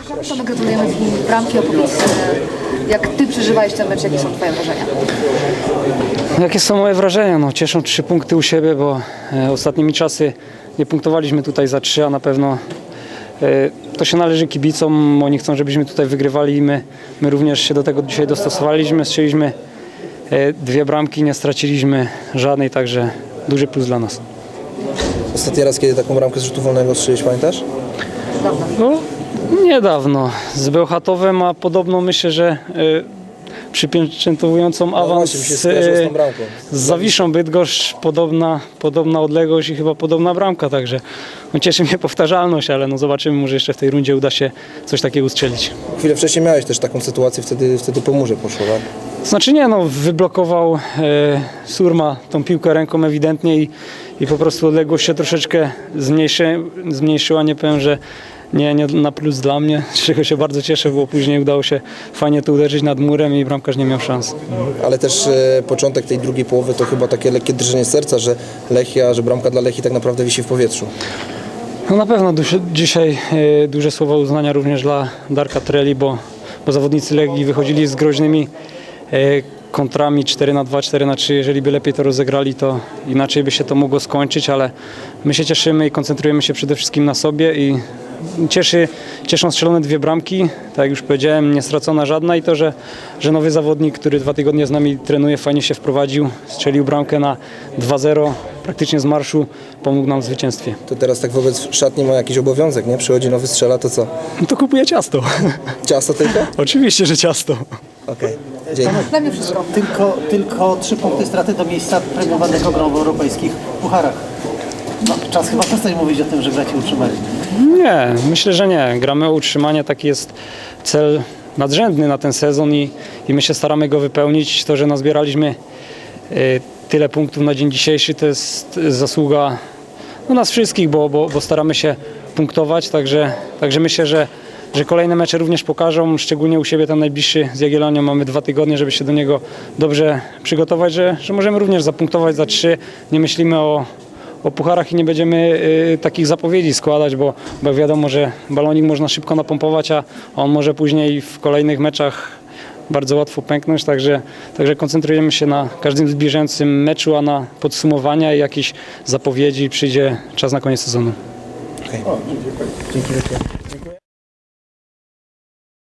Tomek, gratulujemy bramki. Opowiedz, jak Ty przeżywałeś ten mecz, jakie są Twoje wrażenia? Jakie są moje wrażenia? No, cieszą 3 punkty u siebie, bo ostatnimi czasy nie punktowaliśmy tutaj za 3, a na pewno to się należy kibicom. Oni chcą, żebyśmy tutaj wygrywali i my również się do tego dzisiaj dostosowaliśmy. Strzeliśmy 2 bramki, nie straciliśmy żadnej, także duży plus dla nas. Ostatni raz, kiedy taką bramkę z rzutu wolnego strzeliłeś, pamiętasz? No, niedawno z Bełchatowem, a podobno myślę, że przypieczętowującą awans właśnie, mi się skojarzyło z tą bramką. z Zawiszą Bydgoszcz, podobna odległość i chyba podobna bramka, także no, cieszy mnie powtarzalność, ale no, zobaczymy, może jeszcze w tej rundzie uda się coś takiego ustrzelić. Chwilę wcześniej miałeś też taką sytuację, wtedy po murze poszło, tak? Znaczy nie, no wyblokował Surma tą piłkę ręką ewidentnie i po prostu odległość się troszeczkę zmniejszyła, nie powiem, że nie na plus dla mnie, z czego się bardzo cieszę, bo później udało się fajnie to uderzyć nad murem i bramkarz nie miał szans. Ale też początek tej drugiej połowy to chyba takie lekkie drżenie serca, że bramka dla Lechii tak naprawdę wisi w powietrzu. No na pewno dzisiaj duże słowa uznania również dla Darka Treli, bo zawodnicy Legii wychodzili z groźnymi kontrami 4-2, 4-3. Jeżeli by lepiej to rozegrali, to inaczej by się to mogło skończyć, ale my się cieszymy i koncentrujemy się przede wszystkim na sobie i cieszą strzelone 2 bramki, tak jak już powiedziałem, nie stracona żadna i to, że nowy zawodnik, który 2 tygodnie z nami trenuje, fajnie się wprowadził, strzelił bramkę na 2-0, praktycznie z marszu, pomógł nam w zwycięstwie. To teraz tak wobec szatni ma jakiś obowiązek, nie? Przychodzi nowy strzela, to co? No to kupuję ciasto. Ciasto tylko? Oczywiście, że ciasto. Okej, dzięki. Dla mnie wszystko. Tylko 3 punkty straty do miejsca premiowanego grą w europejskich pucharach. No, czas chyba przestać mówić o tym, że gracie utrzymali. Nie, myślę, że nie. Gramy o utrzymanie, taki jest cel nadrzędny na ten sezon i my się staramy go wypełnić. To, że nazbieraliśmy tyle punktów na dzień dzisiejszy, to jest zasługa nas wszystkich, bo staramy się punktować, także myślę, że kolejne mecze również pokażą, szczególnie u siebie ten najbliższy z Jagiellonią. Mamy 2 tygodnie, żeby się do niego dobrze przygotować, że możemy również zapunktować za 3. Nie myślimy o pucharach i nie będziemy takich zapowiedzi składać, bo wiadomo, że balonik można szybko napompować, a on może później w kolejnych meczach bardzo łatwo pęknąć, także koncentrujemy się na każdym zbliżającym meczu, a na podsumowania i jakieś zapowiedzi przyjdzie czas na koniec sezonu. Dzięki wielkie.